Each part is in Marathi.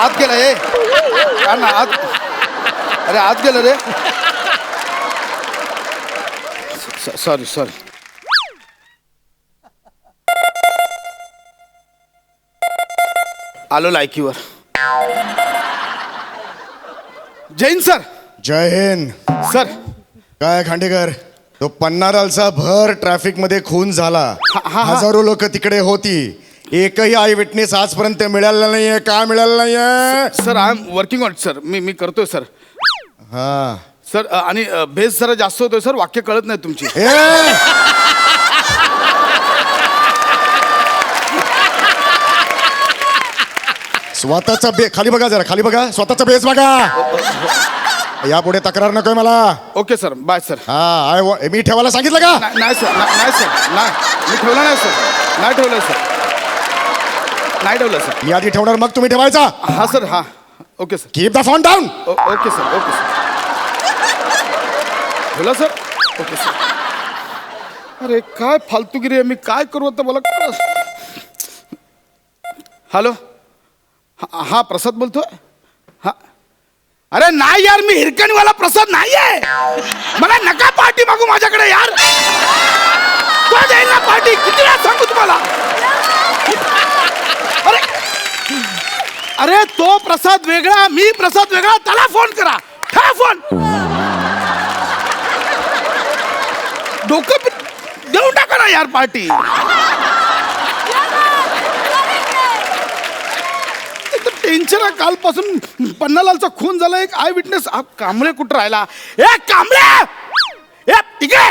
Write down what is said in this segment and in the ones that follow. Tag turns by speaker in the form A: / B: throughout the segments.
A: आत गेला हे का ना आत. अरे आत गेलं रे. Sorry sorry. आलो लायकीवर. जैन सर.
B: जय हिंद.
A: सर
B: काय खांडेकर, तो पन्नारालचा भर ट्रॅफिक मध्ये खून झाला. हजारो लोक तिकडे होती. एकही आय विटनेस आजपर्यंत मिळाला नाहीये. का मिळाला नाहीये?
A: Sir I am working on sir. मी करतोय सर.
B: हा
A: सर आणि भेस जरा जास्त होतोय सर. वाक्य कळत नाही तुमची.
B: स्वतःचा खाली बघा, जरा खाली बघा, स्वतःचा बेस बघा. यापुढे तक्रार नकोय मला.
A: Okay sir. Bye sir.
B: हा मी ठेवायला सांगितलं का?
A: नाही सर. नाही सर. नाही मी ठेवलं नाही सर. नाही ठेवलं सर. नाही ठेवलं सर.
B: मी आधी ठेवणार मग तुम्ही ठेवायचा.
A: हा सर. हा okay sir.
B: Keep the phone down.
A: Okay sir. Okay sir. ठेवलं सर. Okay sir. अरे काय फालतूगिरी आहे. मी काय करू आता मला. हॅलो. हा प्रसाद बोलतोय. हा अरे नाही यार, मी हिरकणीवाला प्रसाद नाही आहे. मला नका पार्टी मागू माझ्याकडे यार. तो जाईल ना पार्टी. किती वेळा सांगू तुम्हाला. अरे अरे तो प्रसाद वेगळा, मी प्रसाद वेगळा. त्याला फोन करा. ठेवा फोन. डोकं देऊन टाका ना यार पार्टी. टेन्शन आहे कालपासून. पन्नालालचा खून झाला. एक आय विटनेस. कांबळे कुठं राहिला. ए कांबळे, ए इकडे.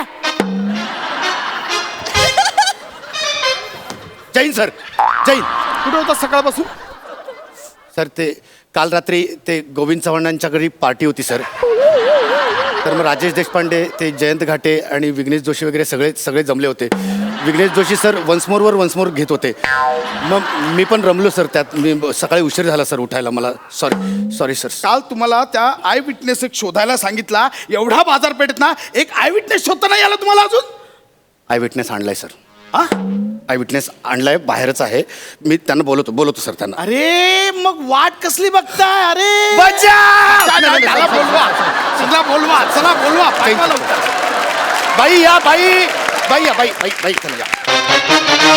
C: जैन सर. जैन
A: कुठे होता सकाळपासून.
C: सर, ते काल रात्री ते गोविंद चव्हाणांच्या घरी पार्टी होती सर. तर मग राजेश देशपांडे, ते जयंत घाटे आणि विघ्नेश जोशी वगैरे सगळे जमले होते. विघ्नेश जोशी सर वन्समोर घेत होते. मग मी पण रमलो सर त्यात. मी सकाळी उशीर झाला सर उठायला मला. Sorry sir.
A: काल तुम्हाला त्या आय विटनेस एक शोधायला सांगितला. एवढा बाजारपेठेत ना एक आय विटनेस शोधता नाही आला तुम्हाला अजून.
C: आय विटनेस आणलाय सर.
A: हा
C: आय विटनेस आणलाय, बाहेरच आहे. मी त्यांना बोलवतो सर त्यांना.
A: अरे मग वाट कसली बघताय. अरे
C: बचाव!
A: बोलवा. चला बोलवा. पाठवा लवकर.
C: बाई या बाई चला या.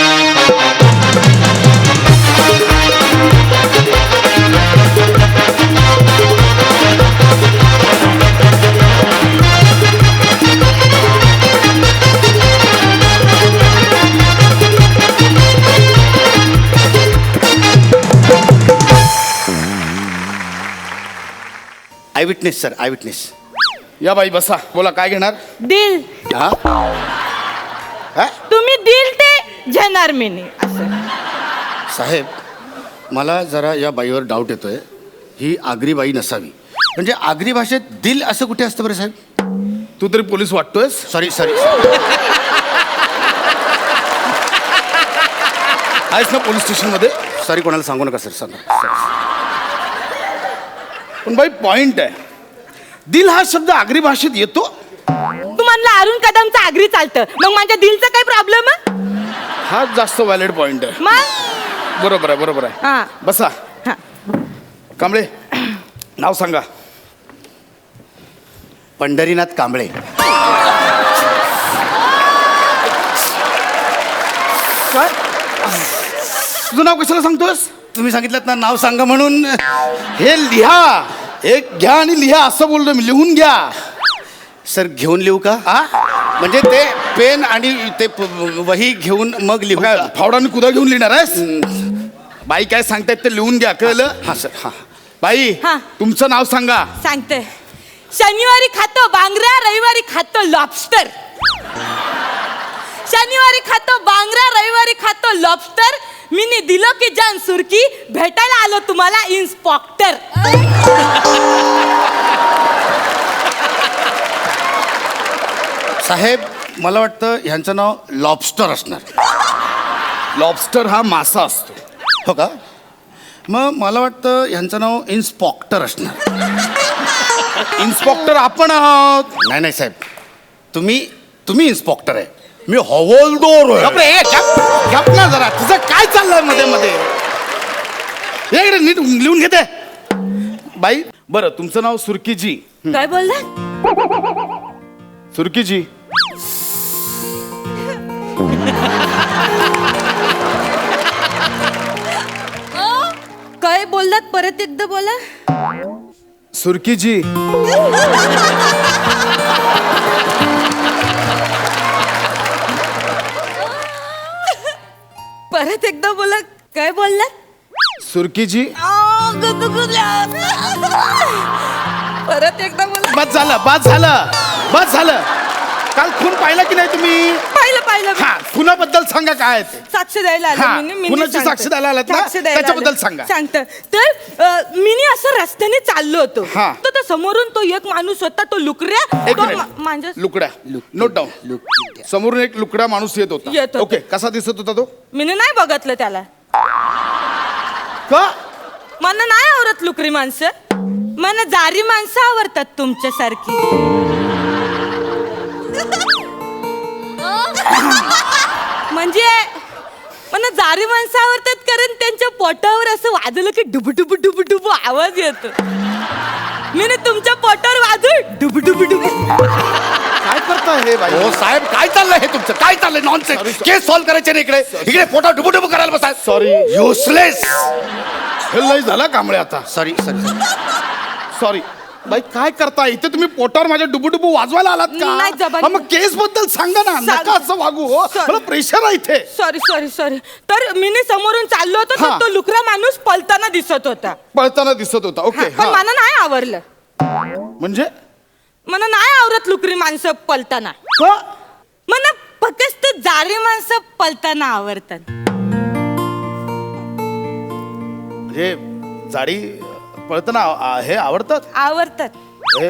C: Eyewitness sir. Eyewitness.
A: या बाई बसा. बोला काय घेणार.
D: दिल.
C: हा
D: तुम्ही दिल ते घेणार मी नाही असं.
C: साहेब, मला जरा या बाईवर डाऊट येतोय. ही आगरी बाई नसावी. म्हणजे आगरी भाषेत दिल असं कुठे असतं बरं साहेब?
A: तू तरी पोलीस वाटतोयस.
C: सॉरी
A: आहेस ना पोलीस स्टेशन मध्ये.
C: सॉरी, कोणाला सांगू नका सर. सांगा.
A: पण बाई पॉइंट आहे. दिल हा शब्द आगरी भाषेत येतो.
D: तू म्हणला अरुण कदमचं आगरी चालतं, मग माझ्या दिलचा काही प्रॉब्लेम आहे?
A: हा जास्त व्हॅलिड पॉइंट आहे.
D: मग
A: बरोबर आहे.
D: हा.
A: बसा.
D: हा.
A: कांबळे नाव सांगा.
C: पंढरीनाथ कांबळे.
A: काय तुझं नाव कशाला सांगतोस.
C: तुम्ही सांगितलं ना नाव सांगा म्हणून.
A: हे लिहा. एक घ्या आणि लिहा असं बोललो मी. लिहून घ्या.
C: सर घेऊन लिहू का? म्हणजे ते पेन आणि ते वही घेऊन मग लिहू का?
A: फावडाने कुदा घेऊन लिहिणार आहेस. बाई काय सांगतायत ते लिहून घ्या. कळलं.
C: हां सर. हां
A: बाई
D: हा.
A: तुमचं नाव सांगा.
D: सांगते. शनिवारी खातो बांगरा, रविवारी खातो लॉबस्टर. शनिवारी खातो बांगरा, रविवारी खातो लॉबस्टर. मी दिलो की जान सुरकी, भेटायला आलो तुम्हाला इन्स्पेक्टर.
C: साहेब, मला वाटतं ह्यांचं नाव लॉबस्टर असणार.
A: लॉबस्टर हा मासा असतो.
C: हो का? मग मला वाटतं ह्यांचं नाव इन्स्पेक्टर असणार.
A: इन्स्पेक्टर आपण आहोत.
C: नाही साहेब, तुम्ही इन्स्पेक्टर आहे. मी हवालदार आहे.
A: बापरे, गप ना जरा. तुझं काय चाललंय मध्ये नीट लिहून घेते. बाई बरं तुमचं नाव सुरकीजी.
D: काय बोलला?
A: सुरकीजी.
D: काय बोललात? परत एकदा बोला.
A: सुरकीजी.
D: परत एकदा बोला. काय बोललात?
A: सुरकीजी.
D: परत एकदा बोला.
A: बस झालं बस झालं बस झालं. काल खून पाहिला की नाही तुम्ही?
D: पाहिलं
A: हा खुनाबद्दल सांगा काय आहे ते.
D: साक्ष द्यायला
A: हा,
D: आले मी
A: कुणाची
D: सांगते.
A: साक्ष द्यायला आलात ना?
D: साक्ष द्यायला
A: त्याच्याबद्दल
D: आले.
A: सांगा.
D: सांगते तर मी असं रस्त्याने चाललो होतो
A: हा.
D: तर त्या समोरून तो एक माणूस होता तो लुकऱ्या
A: एक
D: तो
A: मिनिट.
D: माझ्या
A: लुकड्या नोट डाऊन. समोरून एक लुकड्या माणूस येत
D: येत
A: होता.
D: होता.
A: ओके कसा दिसत होता तो?
D: मी नाही बघितलं त्याला.
A: का?
D: मला नाही आवडत लुकरी माणसं. मला जारी माणसं आवडतात तुमच्यासारखी. म्हणजे मला जारी माणसं आवडतात कारण त्यांच्या पोटावर असं वाजलं की डुबु डुबु डुबु डुबु आवाज येतो. मी ना तुमच्या पोटावर वाजू डुबु डुबु डुबु.
A: काय करताय हे बाई?
C: हो साहेब काय चाललंय हे तुमचं? काय चाललंय नॉनसेन्स? केस सॉल्व्ह करायचे ना इकडे इकडे पोटा डुबुडुबु करायला बसाय.
A: Sorry.
C: युसलेस.
A: हे लय झाला कांबळे आता.
C: Sorry sorry.
A: सॉरी बाई काय करताय इथे? तुम्ही पोटावर माझ्या डुबुडुबू वाजवायला आलात
D: नाही,
A: का?
D: जबानी.
A: हा, मग केस बद्दल सांगा ना. नका असं वागू हो.
D: Sorry.
A: मला प्रेशर आहे इथे.
D: Sorry sorry sorry. तर मी समोरून चाललो होतो
A: हा.
D: तर तो लुकरा माणूस पलताना दिसत होता.
A: पळताना दिसत होता. ओके
D: पण मला नाही आवडलं.
A: म्हणजे
D: मला नाही आवडत लुकरी माणसं पलताना.
A: का?
D: मला फक्त जारी माणसं पलताना आवडतात.
A: म्हणजे जाडी पळताना हे आवडतात
D: आवडतात.
A: हे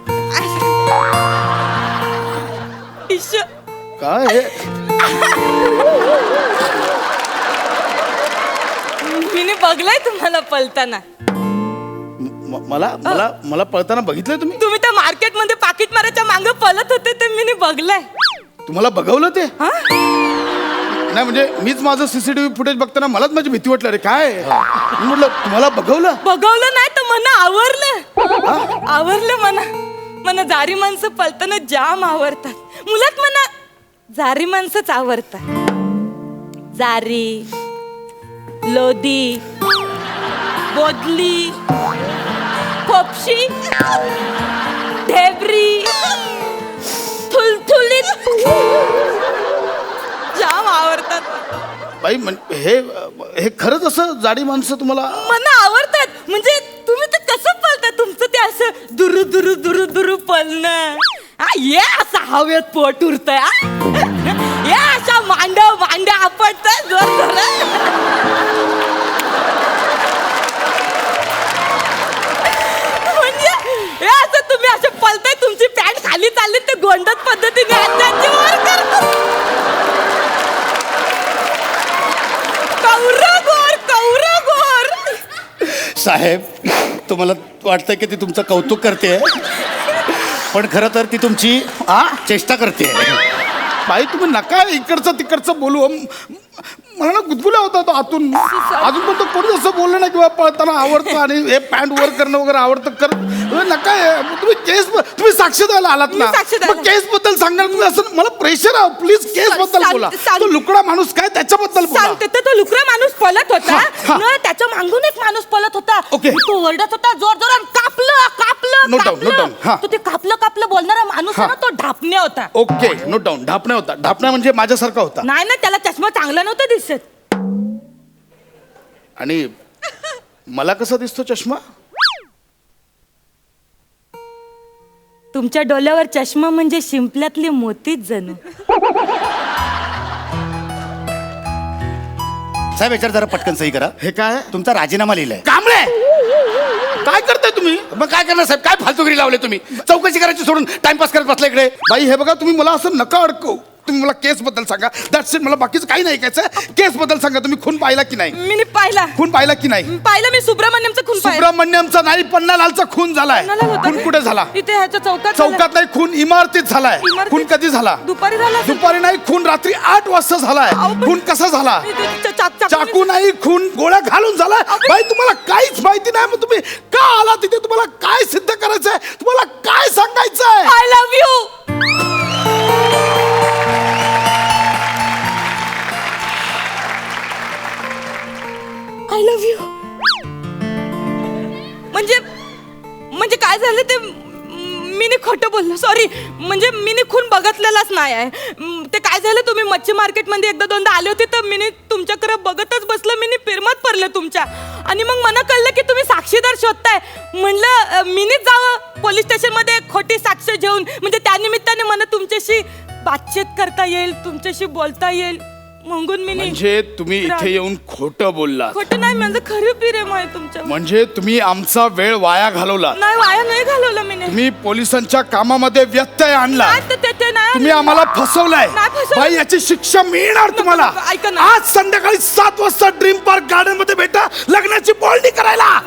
D: इश्श.
A: काय हे?
D: मी बघलाय तुम्हाला पलताना.
A: मला मला मला पळताना बघितलंय तुम्ही?
D: तुम्ही त्या मार्केट मध्ये पाकिट मारायच्या मागे पळत होते ते मी बघलाय.
A: तुम्हाला बघवलं ते?
D: हा?
A: नाही म्हणजे मीच माझं सीसीटीव्ही फुटेज बघताना मलाच माझी भीती वाटली. अरे काय मी म्हटलं तुम्हाला बघवलं?
D: बघवलं नाही तर मला आवडलं. आवडलं मला जारी माणसं पलताना जाम आवडतात. मुलात मला जारी माणसंच आवडतात. जारी, लोदी, बोदली, खोपशी, ढेबरी, थुलथुलीत जाम आवडतात.
A: बाई हे खरंच असं जाडी माणसं तुम्हाला?
D: मला आवडतात. म्हणजे तुम्ही तर कसं पळता? तुमचं ते असं दुरु दुरु दुरु दुरु पळणं. ये असं हवेत पोट उरतंय. ये अशा मांड्या आपटतंय जोर जोरात. म्हणजे हे असं तुम्ही असं पळताय तुमची पॅन्ट खाली चालली ते गोंडत पद्धतीने हाताची वर करतात. कौर गोर.
C: साहेब तुम्हाला वाटतंय की ती तुमचं कौतुक करते पण खरं तर ती तुमची चेष्टा करते.
A: बाई तुम्ही नका इकडचं तिकडचं बोलू. मला ना गुदगुल्या होता तो आतून. अजून पण तो कोणी असं बोललं नाही किंवा पळताना आवडतं आणि हे पॅन्ट वर करणं वगैरे आवडतं कर. नका तुम्ही तुम्ही साक्ष द्यायला आलात ना.
D: मी साक्ष द्यायला.
A: मग केस बद्दल सांगणार तुम्ही असं? मला प्रेशर आहे. प्लीज केस बद्दल बोला. तो लुकडा माणूस काय त्याच्याबद्दल बोला.
D: सांगते तर तो लुकरा माणूस पळत होता
A: हा.
D: ना त्याच्या मागून एक माणूस पळत होता.
A: ओके.
D: तो ओरडत होता जोर जोरात कापलं
A: Note down, note down. हा.
D: तो ते कापलं बोलणारा माणूस आहे ना तो ढापण्या होता.
A: Okay note down. ढापण्या होता. ढापण्या म्हणजे माझ्यासारखा होता.
D: नाही ना त्याला चष्मा चांगला नव्हता दिसत.
A: आणि मला कसा दिसतो चष्मा?
D: तुमच्या डोल्यावर चष्मा म्हणजे शिंपल्यातले मोतीच जणू.
C: साहेब याच्यावर जरा पटकन सही करा.
A: हे काय
C: तुमचा राजीनामा लिहिलाय.
A: कांबळे काय करताय तुम्ही?
C: मग काय करणार साहेब? काय फालतुगिरी लावले तुम्ही? चौकशी करायची सोडून टाइमपास करत बसला इकडे.
A: बाई हे बघा तुम्ही मला असं नका अडकवू. तुम्ही मला केस बद्दल सांगा. That's it. मला बाकीचं काही नाही ऐकायचं. केस बद्दल सांगा. तुम्ही खून पाहिला की नाही?
D: मी पाहिला.
A: खून पाहिला की नाही?
D: पाहिलं मी. सुब्रमण्यमचा खून पाहिला.
A: सुब्रमण्यमचा नाही, पन्नालालचा खून झालाय.
D: पन्नालाल होता
A: खून
D: काय?
A: कुठे झाला?
D: इथे ह्याच्या चौकात.
A: चौकात नाही, खून इमारतीत झालाय.
D: इमारतीत?
A: खून कधी झाला?
D: दुपारी झाला.
A: दुपारी नाही, खून रात्री 8 वाजता झालाय.
D: अहो, पण-
A: खून कसा झाला? चाकू
D: नाही.
A: नाही, खून गोळ्या घालून झालाय.
D: अहो,
A: भाई तुम्हाला काहीच माहिती नाही. मग तुम्ही का आला तिथे? तुम्हाला काय सिद्ध करायचंय? तुम्हाला काय सांगायचंय?
D: I love you. I love you. म्हणजे काय झालं ते मीने खोटं बोललो. सॉरी. म्हणजे मीने खून बघितलेलाच नाही आहे. ते काय झालं, तुम्ही मच्छी मार्केटमध्ये एकदा दोनदा आले होते तर मीने तुमच्याकडे बघतच बसलं. मीने पिरमत पडलं तुमच्या. आणि मग मला कळलं की तुम्ही साक्षीदार शोधताय. म्हणलं मीनेच जावं पोलीस स्टेशनमध्ये खोटी साक्ष घेऊन. म्हणजे त्यानिमित्ताने मला तुमच्याशी बातचीत करता येईल, तुमच्याशी बोलता येईल म्हणून मी.
A: म्हणजे तुम्ही इथे येऊन खोटं बोलला?
D: खोटं नाही, माझं खरं प्रेम आहे तुमच्या.
A: म्हणजे तुम्ही आमचा वेळ वाया घालवला?
D: नाही, वाया नाही घालवलं मी.
A: तुम्ही पोलिसांच्या कामामध्ये व्यत्यय आणला.
D: नाही, ते नाही.
A: तुम्ही आम्हाला फसवलंय.
D: नाही फसवलं.
A: बाई, याची शिक्षा मिळणार तुम्हाला.
D: ऐका ना.
A: आज संध्याकाळी 7 वाजता ड्रीम पार्क गार्डन मध्ये भेटा लग्नाची बोलणी करायला.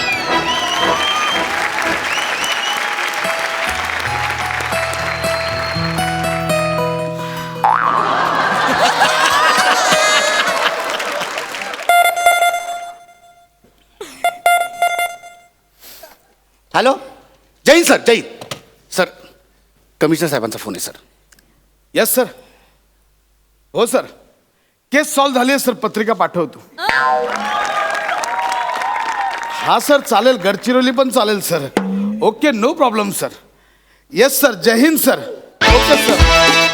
C: हॅलो. जय हिंद सर. जय हिंद सर. कमिशनर साहेबांचा फोन आहे सर.
A: Yes sir. हो सर, केस सॉल्व्ह झाली आहे सर. पत्रिका पाठवतो. हा सर, चालेल. गडचिरोली पण चालेल sir. Okay, no problem sir. Yes sir. जय हिंद सर. Okay sir.